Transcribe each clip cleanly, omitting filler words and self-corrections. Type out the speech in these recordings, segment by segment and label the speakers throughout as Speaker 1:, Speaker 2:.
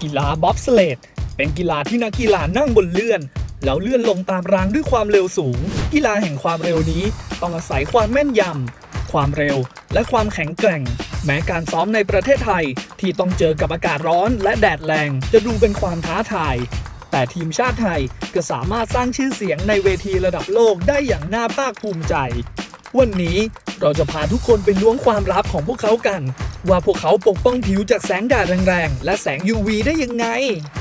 Speaker 1: กีฬาบ๊อบสเลดเป็นกีฬาที่นักกีฬานั่งบนเลื่อนแล้วเลื่อนลงตามรางด้วยความเร็วสูงกีฬาแห่งความเร็วนี้ต้องอาศัยความแม่นยำความเร็วและความแข็งแกร่งแม้การซ้อมในประเทศไทยที่ต้องเจอกับอากาศร้อนและแดดแรงจะดูเป็นความท้าทายแต่ทีมชาติไทยก็สามารถสร้างชื่อเสียงในเวทีระดับโลกได้อย่างน่าภาคภูมิใจวันนี้เราจะพาทุกคนไปล้วงความลับของพวกเขากันว่าพวกเขาปกป้องผิวจากแสงแดดแรงๆและแสง UV ได้ยังไง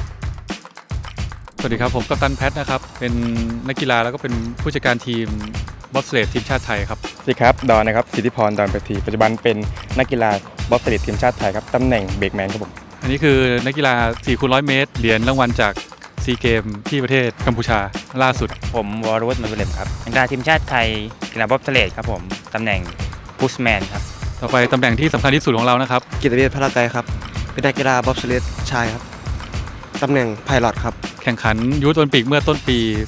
Speaker 2: สวัสดีครับผมกัปตันแพทนะครับเป็นนักกีฬาแล้วก็เป็นผู้จัดการทีมบ๊อบสเลดทีมชาติไทยครับ
Speaker 3: สวัสดีครับดอนนะครับสิทธิพรดอนประทีปัจจุบันเป็นนักกีฬาบ๊อบสเลดทีมชาติไทยครับตำแหน่งเบรกแมนครับผม
Speaker 2: อันนี้คือนักกีฬา 4x100 เมตรเหรียญรางวัลจากซีเกมที่ประเทศกัมพูชาล่าสุด
Speaker 4: ผมวรวุฒิ มันบุญเหลมครับนักกีฬาทีมชาติไทยกีฬาบ๊อบสเลดครับผมตำแหน่งพุชแมนครับ
Speaker 2: ต่อไปตำแหน่งที่สำคัญที่สุดของเรานะครับ
Speaker 5: กิตติเวชพลาไกรครับเป็นนักกีฬาบ๊อบสเลดชายครับตำแหน่งไพลอตครับ
Speaker 2: แข่งขันยูทโอลิมปิกเมื่อต้นปี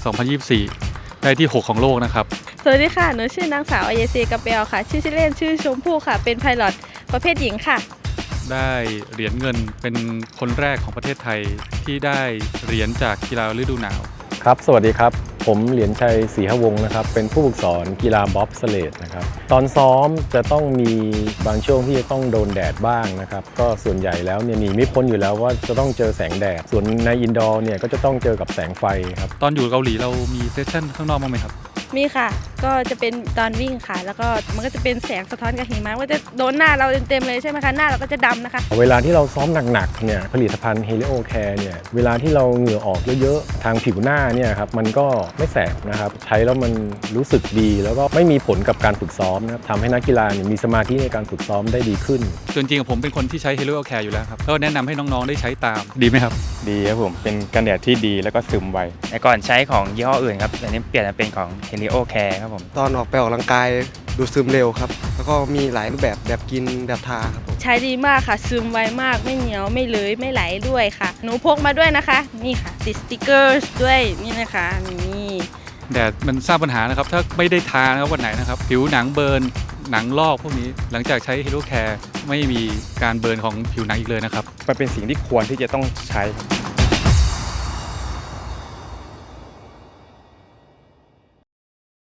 Speaker 2: 2024 ได้ที่ 6 ของโลกนะครับ
Speaker 6: สวัสดีค่ะหนูชื่อนางสาวอเยซีกาเปลค่ะชื่อเล่นชื่อชมพู่ค่ะเป็นไพลอตประเภทหญิงค่ะ
Speaker 2: ได้เหรียญเงินเป็นคนแรกของประเทศไทยที่ได้เหรียญจากกีฬาฤดูหนาว
Speaker 7: ครับสวัสดีครับผมเหรียญชัยศรีหวงศ์นะครับเป็นผู้ฝึกสอนกีฬาบ๊อบสเลดนะครับตอนซ้อมจะต้องมีบางช่วงที่จะต้องโดนแดดบ้างนะครับก็ส่วนใหญ่แล้วเนี่ยหนีไม่พ้นอยู่แล้วว่าจะต้องเจอแสงแดดส่วนในอินดอร์เนี่ยก็จะต้องเจอกับแสงไฟครับ
Speaker 2: ตอนอยู่เกาหลีเรามีเซสชั่นข้างนอกบ้างไหมครับ
Speaker 6: มีค่ะก็จะเป็นตอนวิ่งค่ะแล้วก็มันก็จะเป็นแสงสะท้อนกับหิมะว่าจะโดนหน้าเราเต็มๆเลยใช่ไหมคะหน้าเราก็จะดำนะคะ
Speaker 7: เวลาที่เราซ้อมหนักๆเนี่ยผลิตภัณฑ์ Helio Care เนี่ยเวลาที่เราเหงื่อออกเยอะๆทางผิวหน้าเนี่ยครับมันก็ไม่แสบนะครับใช้แล้วมันรู้สึกดีแล้วก็ไม่มีผลกับการฝึกซ้อมนะครับทำให้นักกีฬามีสมาธิในการฝึกซ้อมได้ดีขึ้น
Speaker 2: จริงๆผมเป็นคนที่ใช้ Helio Care อยู่แล้วครับก็แนะนำให้น้องๆได้ใช้ตามดีไหมครับ
Speaker 3: ดีครับผมเป็นกันแดดที่ดีแล้วก็ซึมไว
Speaker 4: แต่ก่อนใช้ของยี่ห้ออื่นครับอันนี้เปลี่ยนมาเป็นของ Helio Care ครับผม
Speaker 5: ตอนออกไปออกกำลังกายดูซึมเร็วครับแล้วก็มีหลายรูปแบบกินแบบทาครับผม
Speaker 6: ใช้ดีมากค่ะซึมไวมากไม่เหนียวไม่เลอยไม่ไหลด้วยค่ะหนูพกมาด้วยนะคะนี่ค่ะติดสติกเกอร์ด้วยนี่นะคะนี่
Speaker 2: แดดมันสร้างปัญหานะครับถ้าไม่ได้ทานะครับวันไหนนะครับผิวหนังเบิร์นหนังลอกพวกนี้หลังจากใช้ Helio Care ไม่มีการเบิร์นของผิวหนังอีกเลยนะครับ
Speaker 3: มันเป็นสิ่งที่ควรที่จะต้องใช้